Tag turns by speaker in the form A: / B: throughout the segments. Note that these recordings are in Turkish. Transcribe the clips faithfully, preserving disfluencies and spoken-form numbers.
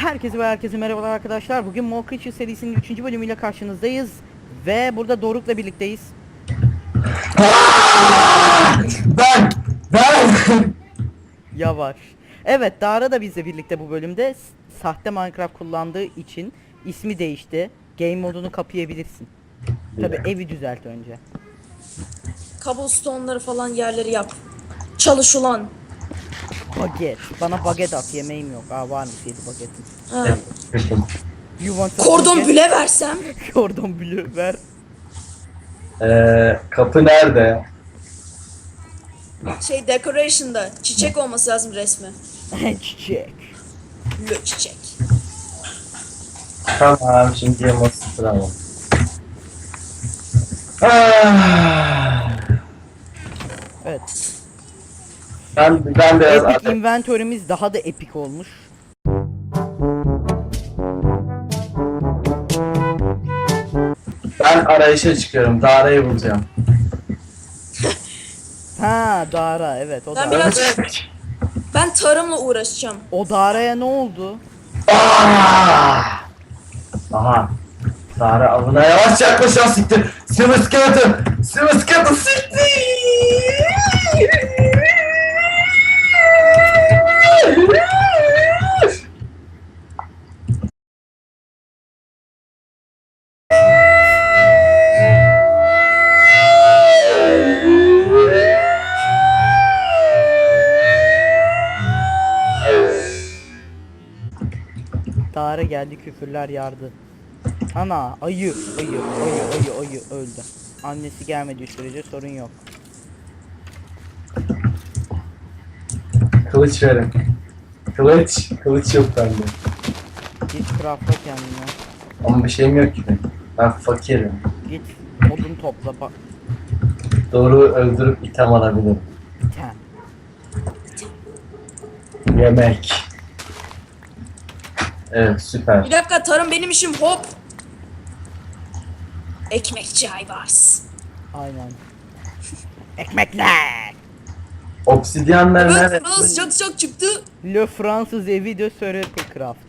A: Herkese ve herkese merhabalar arkadaşlar. Bugün More Creature serisinin üçüncü bölümüyle karşınızdayız. Ve burada Doruk'la birlikteyiz.
B: Ben, ben.
A: Yavaş. Evet, Dara da bizle birlikte bu bölümde. S- Sahte Minecraft kullandığı için ismi değişti. Game modunu kapayabilirsin. Tabi evi düzelt önce.
C: Cobblestone'ları falan yerleri yap. Çalış ulan.
A: Baget. Bana baget at, yemeğim yok. Aa, varmış yedi bagetim.
C: Ha.
A: You want a
C: Kordon
A: baget?
C: büle versem.
A: Kordon bleu ver.
B: Ee, kapı nerede?
C: Şey decoration'da çiçek olması lazım resmi.
A: Çiçek.
C: Lö çiçek.
B: Tamam, şimdi yaması sıramam. Ah.
A: Evet.
B: Ben, ben biraz
A: Epic
B: artık...
A: inventörümüz daha da epik olmuş.
B: Ben arayışa çıkıyorum. Dara'yı bulacağım.
A: Ha, Dara, evet, o
C: Ben
A: Dara.
C: biraz ben tarımla uğraşacağım.
A: O Dara'ya ne oldu?
B: Ah! Aha. Dara avına yavaş yaklaşan siktir. Sıvı skeleton. Sıvı skeleton siktir.
A: Dara geldi, küfürler yardı. Ana, ayı, ayı, ayı, ayı, ayı öldü. Annesi gelmediği sürece sorun yok.
B: Kılıç verin. Kılıç. Kılıç yok bende.
A: Git craftla kendine.
B: Ama bir şeyim yok ki. Ben fakirim.
A: Git odun topla bak.
B: Doğru öldürüp item alabilirim.
A: Ten.
B: Yemek. Evet, süper.
C: Bir dakika, tarım benim işim, hop. Ekmekçi Aybars.
A: Aynen. Ekmekler.
B: Obsidyenler
C: Evet,
B: nerede?
C: Fransız çok çok çıktı.
A: Le Fransız evi de Survival Craft.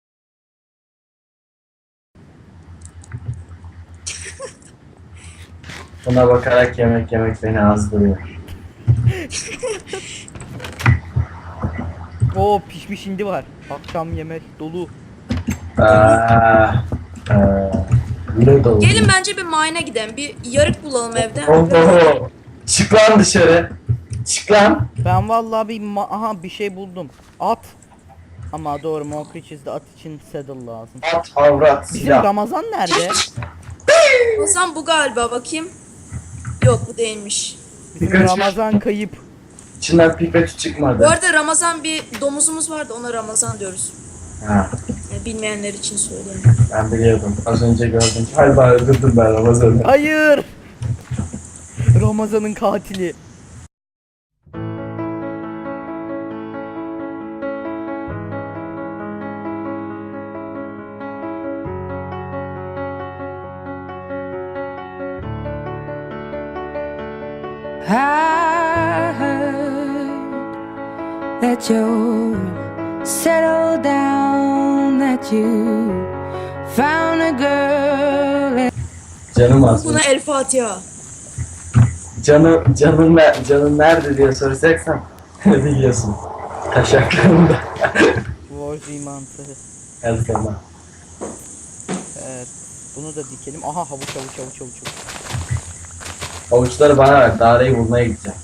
B: Buna bakarak yemek yemek beni azdırıyor.
A: Oo, pişmiş hindi var. Akşam yemek dolu.
B: Aa, noodle.
C: Gelin bence bir mine'e gidelim. Bir yarık bulalım evde.
B: Oho. Çık lan dışarı. Çık lan.
A: Ben vallahi bir ma- aha bir şey buldum. At. Ama doğru, More Creatures'da at için saddle lazım.
B: At, avrat,
A: Bizim
B: silah.
A: Ramazan nerede?
C: Hasan bu galiba, bakayım. Yok, bu değilmiş.
A: Bizim
B: Birkaç-
A: Ramazan kayıp.
B: İçinden pipeti
C: Bu
B: çıkmadı.
C: arada Ramazan bir domuzumuz vardı, ona Ramazan diyoruz.
B: Ha,
C: Yani bilmeyenler için söyleyeyim.
B: ben biliyordum. Az önce gördüm. Galiba öldürdüm ben Ramazan'ı.
A: Hayır. Ramazan'ın katili.
D: I heard that you settled down, that you found a girl.
B: Canım az.
C: Buna El Fatiha.
B: Canım, canım, ne- canım nerede diye soracaksan biliyorsun. Taşaklarımda.
A: Warzi mantığı.
B: Her zaman.
A: Evet. Bunu da dikelim. Aha, havuç havuç havuç havuç. havuç.
B: Avuçları bana ver. Dara'yı bulmaya gideceğim.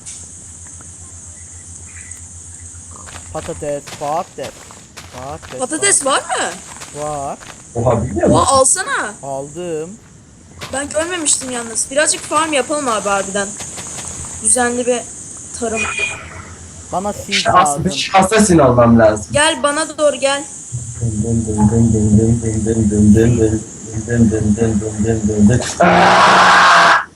A: Patates, patates. Patates.
C: Patates var mı?
A: Var.
B: Oha, biliyor musun?
C: Oha, alsana.
A: Aldım.
C: Ben görmemiştim yalnız. Birazcık farm yapalım abi harbiden. Düzenli bir tarım.
A: Bana seed
B: Şas,
A: lazım.
B: bir assassin olmam lazım.
C: Gel bana doğru gel.
B: Dın dın dın dın dın dın dın dın dın dın dın dın dın dın dın dın dın. Aaaa!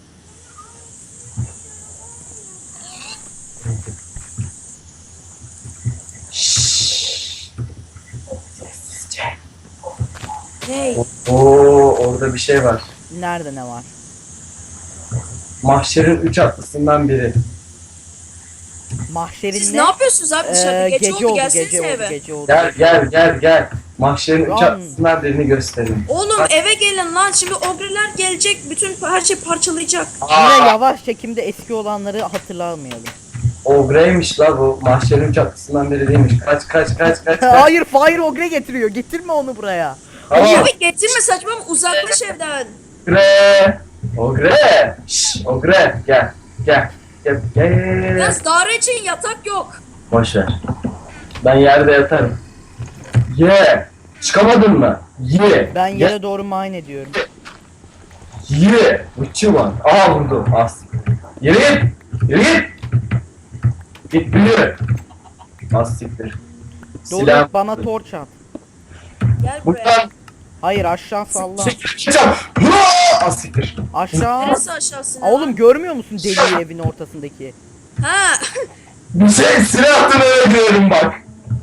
B: Şşş. Sessizce.
C: Hey.
B: Oo, orada bir şey var.
A: Nerede ne var?
B: Mahşerin üç atlısından biri.
A: Mahşerin
C: Siz
A: ne?
C: ne yapıyorsunuz abi dışarıda?
A: Ee,
C: Gece,
A: gece
C: oldu,
A: oldu,
C: gelsenize
A: gece oldu,
C: eve.
A: gece oldu.
B: Gel gel gel gel. Mahşerin üç
A: Lan.
B: çatısından birini gösterin.
C: Oğlum eve gelin lan. Şimdi ogreler gelecek. Bütün her şey parçalayacak.
A: Yine yavaş çekimde eski olanları hatırlamayalım.
B: Ogre'ymiş la bu. Mahşerin çatısından biri değilmiş. Kaç kaç kaç kaç kaç.
A: Hayır, Fire Ogre getiriyor. Getirme onu buraya.
B: Tamam.
C: Abi getirme saçma mı? Uzaklaş evden.
B: Ogre. Ogre. Şşş Ogre gel. Gel. Gel gel gel. gel.
C: Yalnız daire için yatak yok.
B: Boş ver. Ben yerde yatarım. Ye. Çıkamadın mı? Ye.
A: Ben
B: Ye.
A: yere doğru mine ediyorum.
B: Ye. Uçu var. Aa vurdu. As. Yürü git. Yürü git. Git büyü. Az siktir. Silah.
A: Doğru, bana torç at.
C: Gel buraya.
B: Buradan.
A: Hayır, aşağı salla.
B: Çıkacağım. Hıa! Az siktir.
A: Aşağı.
C: Neresi aşağısına?
A: Aa, oğlum görmüyor musun deliği evin ortasındaki?
C: Ha.
B: Bir şey silahını öldürüyorum bak.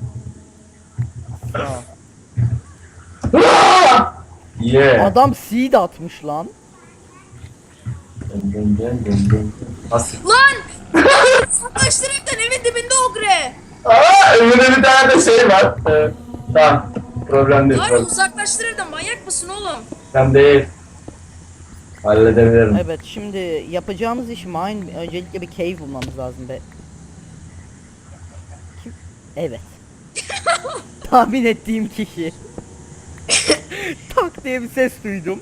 A: Aa.
B: Hıa! Ye.
A: Adam seed atmış lan.
B: Dın dın dın dın dın. Az siktir.
C: Lan! Uzaklaştır evden, evin dibinde ogre.
B: Aa önümde bir tane de şey var. Ee, tamam. Problem değil.
C: Abi
B: Problem.
C: uzaklaştır evden, manyak mısın oğlum?
B: Ben değil. Halledebilirim.
A: Evet, şimdi yapacağımız iş mine. Öncelikle bir cave bulmamız lazım be. Kim? Evet. Tahmin ettiğim kişi. Tak diye bir ses duydum.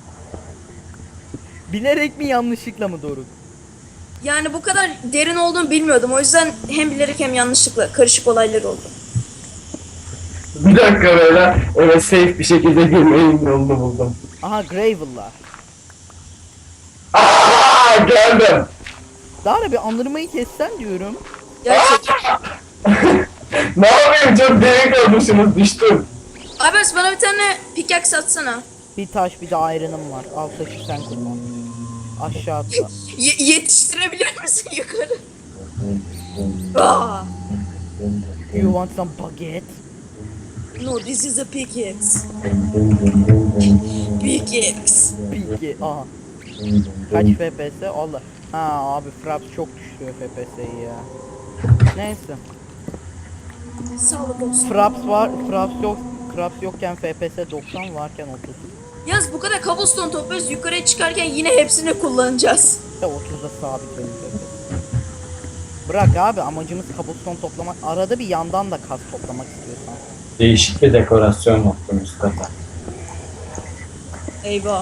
A: Bilerek mi yanlışlıkla mı Doruk?
C: Yani bu kadar derin olduğunu bilmiyordum. O yüzden hem bilerek hem yanlışlıkla karışık olaylar oldu.
B: Bir dakika böyle eve safe bir şekilde girmeyin yolunu buldum.
A: Aha, Gravel'lar.
B: Aa geldim.
A: Daha bir anırmayı kessen diyorum.
C: Gerçekten.
B: Ne yapayım çok derin kalmışsınız düştüm.
C: Abi bana bir tane pickaxe atsana.
A: Bir taş bir de iron'ım var. Al taşı sen kullan. Aşağı atla.
C: Ye- yetiştirebilir misin yukarı? Aa.
A: You want some baguette?
C: No, this is a pickaxe. Pickaxe.
A: Peki. Aha. Kaç F P S? Allah. Ha abi, Fraps çok düşürüyor F P S'yi ya. Neyse.
C: Sağlık olsun.
A: Fraps var. Fraps yok. Fraps yokken F P S doksan varken otuz.
C: Yaz bu kadar cobblestone topluyoruz, yukarıya çıkarken yine hepsini kullanacağız.
A: İşte otuzda sabit benim F P S. Bırak abi, amacımız cobblestone toplamak. Arada bir yandan da kas toplamak istiyorsan.
B: Değişik bir dekorasyon yaptım üst kata.
C: Eyvah.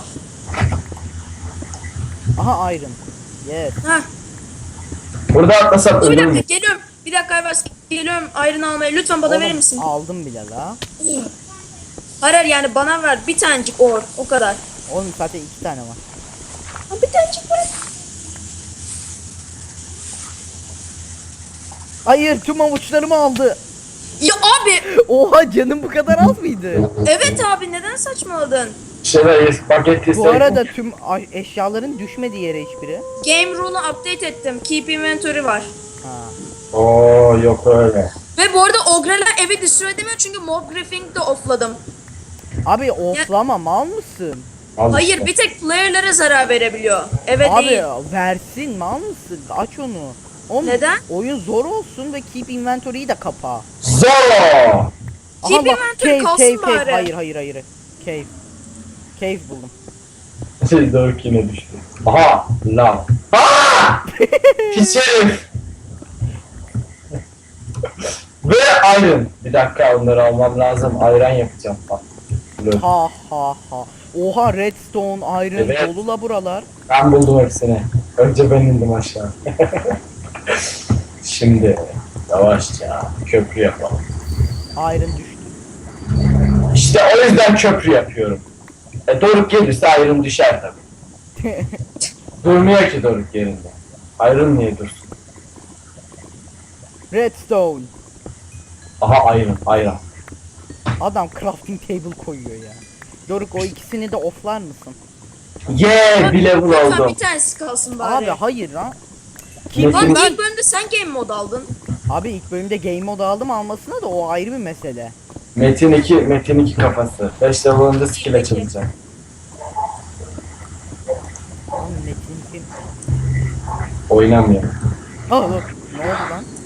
A: Aha, iron. Yes.
C: Heh.
B: Burada atlasak
C: Dur bir
B: ölür
C: dakika,
B: mü?
C: geliyorum. Bir dakika Aybars, geliyorum iron almaya. Lütfen bana
A: Oğlum,
C: verir misin?
A: aldım bile la.
C: Hayır hayır, yani bana ver bir tanecik or, o kadar.
A: Oğlum zaten iki tane var.
C: Ha, bir tanecik ver.
A: Hayır, tüm avuçlarımı aldı.
C: Ya abi,
A: Oha, canım bu kadar az mıydı?
C: evet abi, neden saçmaladın?
B: Şöyle paket
A: Bu
B: istedim.
A: arada tüm a- eşyaların düşmediği yere hiçbiri.
C: Game rule'u update ettim. Keep inventory var.
A: Ha.
B: Oo yok öyle.
C: Ve bu arada ogreler evi destroy edemiyor çünkü mob griefing de offladım.
A: Abi oflama, mal mısın?
B: Al
C: Hayır,
B: işte.
C: bir tek player'lara zarar verebiliyor. Evet
A: Abi
C: değil.
A: versin, mal mısın? Aç onu. Oğlum,
C: Neden?
A: oyun zor olsun ve keep inventory'yi de kapa.
B: Zoro.
C: Keep
A: Aha bak,
C: inventory
A: cave,
C: kalsın
A: cave, cave.
C: bari.
A: Hayır, hayır, hayır. Cave. Cave buldum.
B: Şey Doruk yine düştü. Aha lav. Aaa! Pis herif. Ve iron. Bir dakika onları almam lazım. Ayran yapacağım bak. Dur.
A: Ha ha ha. Oha, redstone, iron
B: Evet.
A: dolu la buralar.
B: Ben buldum hepsini. Önce ben indim aşağı. Şimdi yavaşça köprü yapalım.
A: Iron düştü.
B: İşte o yüzden köprü yapıyorum. E Doruk gelirse ayrım düşer tabii. Durmuyor ki Doruk yerinde. Ayrım niye dursun?
A: Redstone.
B: Aha ayrım, ayran.
A: Adam crafting table koyuyor ya. Doruk, o ikisini de offlar mısın?
B: Yeah, bir level
C: Lütfen
B: oldum.
C: bir tanesi kalsın bari.
A: Abi hayır lan.
B: Metin-
C: Lan
A: ben-
C: ilk bölümde sen game mod aldın.
A: Abi ilk bölümde game mode aldım, almasına da o ayrı bir mesele.
B: Metin iki, Metin iki kafası. beş level olunca skill açılacak.
A: Oğlum Metin kim?
B: Oynamıyor.
A: Aa dur. Ne oldu lan?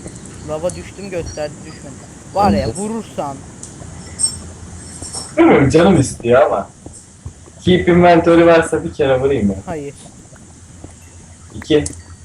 A: Lava düştüm gösterdi düşmedi. Var ya vurursan.
B: Bilmiyorum canım istiyor ama. Keep inventory varsa bir kere vurayım ya.
A: Hayır.
B: İki.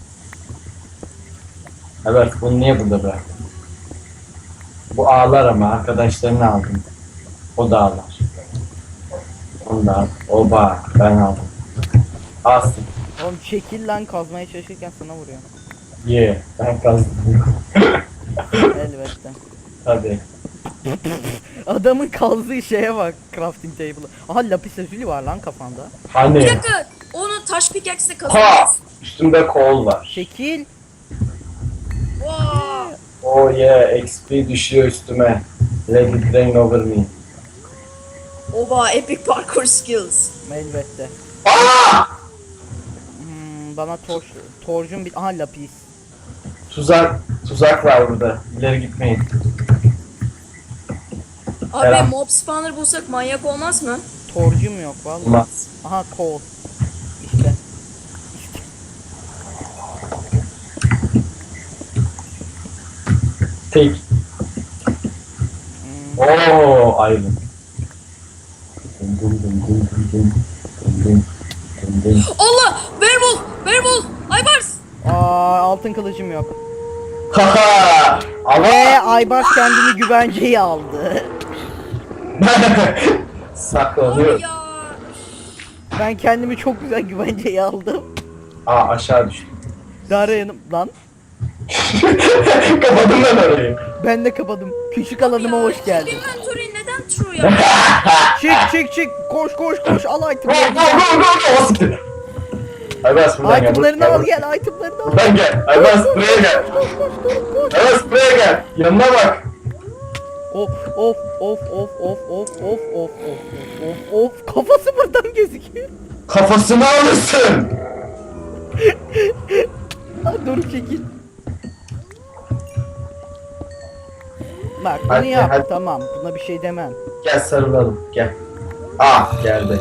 B: Evet bunu niye burada bıraktın? Bu ağlar ama arkadaşlarını aldım. O da ağlar. Onu da al. Oba ben aldım. Alsın.
A: Oğlum çekil lan kazmaya çalışırken sana vuruyor.
B: Ye yeah, ben kazdım.
A: Elbette.
B: Hadi.
A: Adamın kazdığı şeye bak crafting table'ı. Aha lapis lazuli var lan kafanda.
C: Bir
B: Hani?
C: dakika. Onu taş pickaxe'le
B: Ha!
C: kazanacağız.
B: Üstümde kol var.
A: Çekil.
C: Wow.
B: Oh yeah, X P düşüyor üstüme. Let it rain over me.
C: Oba epic parkour skills.
A: Elbette.
B: Aa!
A: Hmm, bana torç, torcun bir... Aha lapis.
B: Tuzak, tuzak var burada. İleri gitmeyin.
C: Abi
B: Selam.
C: mob spawner bulsak manyak olmaz mı?
A: Torcum yok vallahi.
B: Olmaz.
A: Aha kol. İşte.
B: Tek.
A: Hmm,
B: Oo, ayrılın. Dum dum dum dum dum dum. Dum dum. Dum dum.
C: Allah! Werewolf! Werewolf! Aybars!
A: Aa altın kılıcım yok.
B: Haha! Ama
A: Ve Aybars kendini güvenceye aldı.
B: saklanıyor.
C: Abi ya!
A: Ben kendimi çok güzel güvenceye aldım.
B: Aa aşağı düştüm.
A: Dara yanım lan.
B: Kapadım ben orayı.
A: Ben de kapadım. Küçük alanıma
C: Ya,
A: hoş geldin.
C: Inventory neden true ya?
A: Çık çık çık. Koş koş koş. Al
B: Go go
A: itemlerini.
B: go go go! Siktir. Aybas buradan gel.
A: Itemlerini al
B: buradan
A: gel. Itemlerini al.
B: Buradan gel. Aybas buraya gel. Aybas buraya gel. Yanına bak.
A: Of of of of of of of of of of of kafası buradan gözüküyor.
B: Kafasını alırsın.
A: Ha, dur çekil. Bak bunu
B: Hadi,
A: yap
B: hadi.
A: tamam buna bir şey demem.
B: Gel sarılalım. Gel. Ah geldi.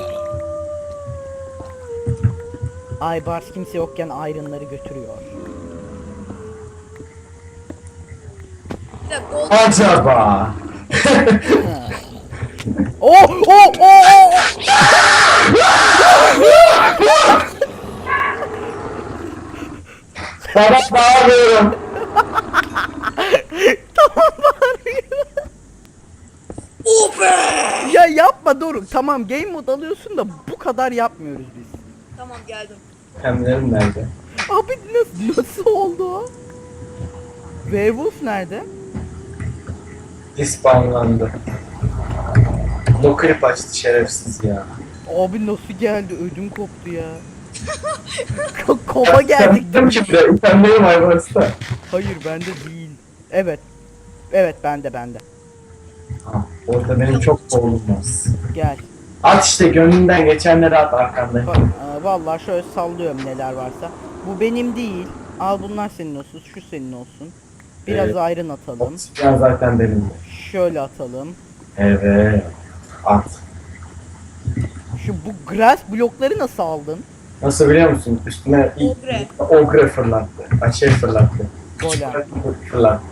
A: Aybars kimse yokken iron'ları götürüyor.
C: Bir dakika gold.
B: Acaba.
A: Oh oh oh oh.
B: Sana bağırıyorum.
A: Tamam bağırıyor.
C: Oh be!
A: Ya yapma Doruk tamam game mode alıyorsun da bu kadar yapmıyoruz biz.
C: Tamam geldim.
B: Hemlerim nerede?
A: Abi nasıl, nasıl oldu o? Werewolf nerede?
B: Dispawnlandı. No clip açtı şerefsiz ya.
A: Abi nasıl geldi ödüm koptu ya. Ko- Koma geldik.
B: Sen kimde? Utanmıyorum Ayvars'ta.
A: Hayır bende değil. Evet. Evet bende bende.
B: Ha, orada benim çok kolum var.
A: Gel.
B: At işte gönlünden geçenleri at arkanda.
A: Bak, aa, vallahi şöyle sallıyorum neler varsa. Bu benim değil. Al bunlar senin olsun. Şu senin olsun. Biraz
B: Evet.
A: ayrın atalım.
B: Oksijen zaten benim de.
A: Şöyle atalım.
B: Evet. At.
A: Şu bu grass blokları nasıl aldın?
B: Nasıl biliyor musun? Üstüne ilk
C: Ogre.
B: ogre fırlattı. Ay şey fırlattı.
A: Golem.
B: Fırlattı.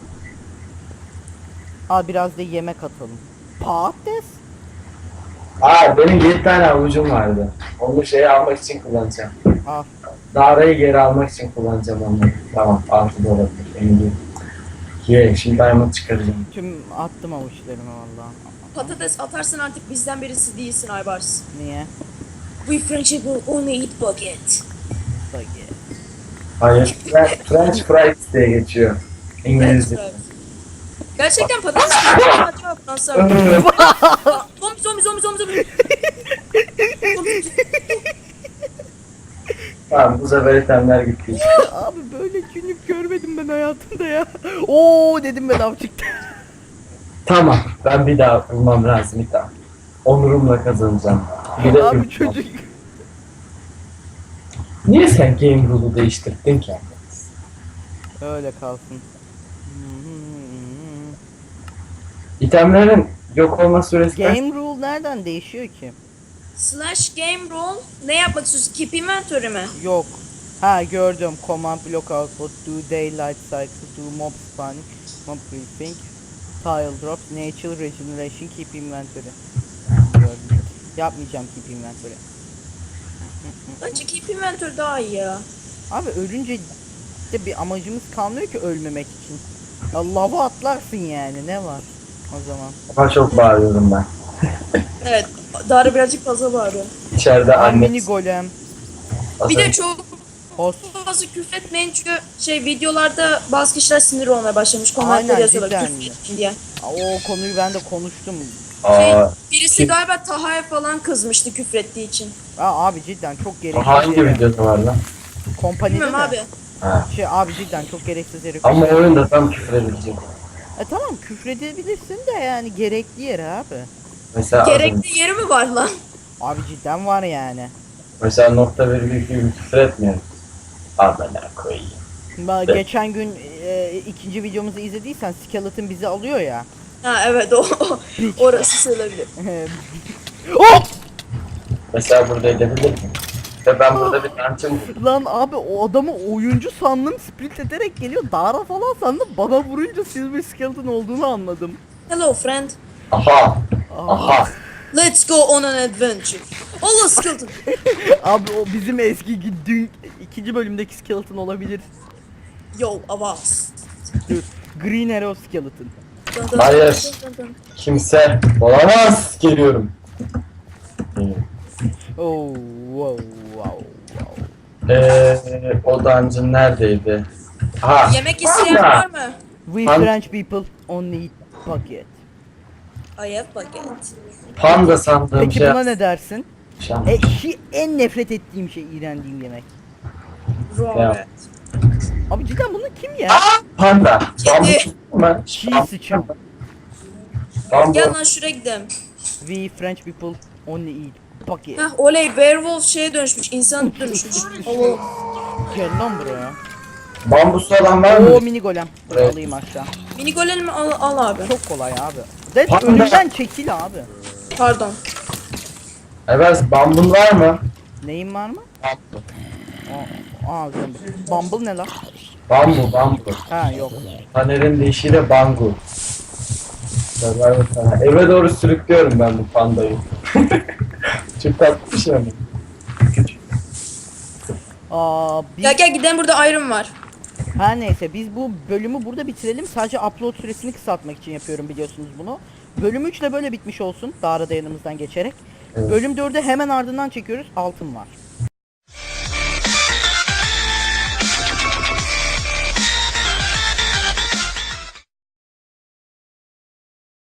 A: Al biraz da yemek atalım. Patates?
B: Aa benim yedi tane avucum vardı. Onu şeyi almak için kullanacağım.
A: Al.
B: Darayı geri almak için kullanacağım onu. Tamam altı da olabilir. Emin değilim. Ye şimdi diamond çıkaracağım.
A: Tüm attım avuçlarımı vallahi.
C: Patates atarsın artık bizden birisi değilsin Aybars.
A: Niye?
C: We French will only eat bucket.
A: Bak.
B: Hayır. Fre- French fries diye geçiyor. İngilizce.
C: Evet. Gerçekten patates mi? Acaba Fransızlar mı? Zombi zombi zombi zombi zombi. Zombi.
B: Tamam bu sefer itemler gitti.
A: Abi böyle günlük görmedim ben hayatımda ya. Oo dedim ben av çıktı.
B: Tamam ben bir daha bulmam lazım bir daha. Onurumla kazanacağım. Bir de
A: Abi çocuk.
B: Niye sen game rule'u değiştirdin ki?
A: Öyle kalsın.
B: İtemlerin yok olma süresi kaç?
A: Game rule nereden değişiyor ki?
C: Slash game roll. Ne yapmak istiyorsun? Keep inventory mi?
A: Yok. Ha gördüm. Command block output, do daylight cycle, do mob spawning, mob briefing, tile drops, natural regeneration, keep inventory. Gördüm. Yapmayacağım keep inventory.
C: Bence keep inventory daha iyi ya.
A: Abi ölünce de bir amacımız kalmıyor ki ölmemek için. Ya lava atlarsın yani ne var o zaman.
B: Ama çok bağırıyorum ben.
C: Evet. Dara birazcık fazla bağırıyor.
B: İçeride
A: Ay,
B: anne.
A: mini golem.
C: Bir de çok
A: Host.
C: fazla küfretmeyin çünkü şey videolarda bazı kişiler sinir olmaya başlamış.
A: Aynen,
C: Komentler yazıyorlar
A: cidden.
C: küfretmeyin diye.
A: O konuyu ben de konuştum.
C: Şey,
B: Aa,
C: birisi
B: kim-
C: galiba Taha'ya falan kızmıştı küfrettiği için.
A: Aa, abi cidden çok gereksiz.
B: hangi
A: yere-
B: videoda var lan?
A: Kompanide
C: Bilmiyorum
A: mi?
C: abi.
B: Ha.
A: Şey abi cidden çok gereksiz yere.
B: Ama oyunda tam küfür edilecek.
A: E tamam küfredebilirsin de yani gerekli yere abi.
B: Mesela az önce-
C: Gerekli yeri mi var lan?
A: Abi cidden var yani.
B: mesela nokta virgül gibi küfür etmiyoruz. Amına koyayım.
A: Ben
B: Evet.
A: geçen gün e, ikinci videomuzu izlediysen Skeleton bizi alıyor ya.
C: Ha evet o. o- Orası söyleyebilir.
A: Oh!
B: Mesela burada edebilir miyim? Ve ben burada bir tançım buldum.
A: Lan abi o adamı oyuncu sandım sprint ederek geliyor. Dara falan sandım. Bana vurunca Silver Skeleton olduğunu anladım.
C: Hello friend.
B: Aha!
A: Aa,
B: Aha!
C: Let's go on an adventure. Allah skeleton.
A: abi o bizim eski dün ikinci bölümdeki Skeleton olabilir.
C: Yo avaz.
A: Dur. Green Arrow Skeleton.
C: Dın dın
B: Hayır.
C: dın dın dın.
B: Kimse olamaz! Geliyorum.
A: Oh wow wow wow.
B: Eee o dungeon neredeydi? Ha!
C: Yemek isteyen
B: Panda!
C: var mı?
A: We
B: Pan-
A: French people only eat bucket.
C: I have bucket.
B: Panda sandığım
A: Peki
B: şey.
A: buna ne dersin?
B: Şam.
A: E, şi, en nefret ettiğim şey iğrendiğim yemek.
C: Robert.
A: Abi cidden bunu kim ya?
B: Panda. Bambu
C: Kedi.
B: mı?
A: Çiğ sıçan.
B: Bambu.
C: Gel lan şuraya gidelim.
A: We French people only eat bucket.
C: Heh oley werewolf şeye dönüşmüş. İnsan dönüşmüş. Allah.
A: Gel lan buraya.
B: Bambusu olan var mı?
A: Oo mini golem. Dur
B: Evet.
A: alayım aşağı.
C: Mini golemi al, al abi.
A: Çok kolay abi. Dead
B: Panda.
A: önümden çekil abi.
C: Pardon.
B: Evet, bambun var mı?
A: Neyin var mı?
B: Bambu.
A: Aa, aa zombi. Bumble ne lan?
B: Bambu, bambu.
A: Ha yok.
B: Taner'in deyişiyle bangu. Ver sana. Eve doğru sürüklüyorum ben bu pandayı. Çok tatlı bir şey ama. Küçük.
A: Aa, biz...
C: Gel gel gidelim burada iron var.
A: Her neyse biz bu bölümü burada bitirelim. Sadece upload süresini kısaltmak için yapıyorum biliyorsunuz bunu. Bölüm üç de böyle bitmiş olsun. Dağra da yanımızdan geçerek.
B: Evet.
A: Bölüm dörde hemen ardından çekiyoruz. Altın var.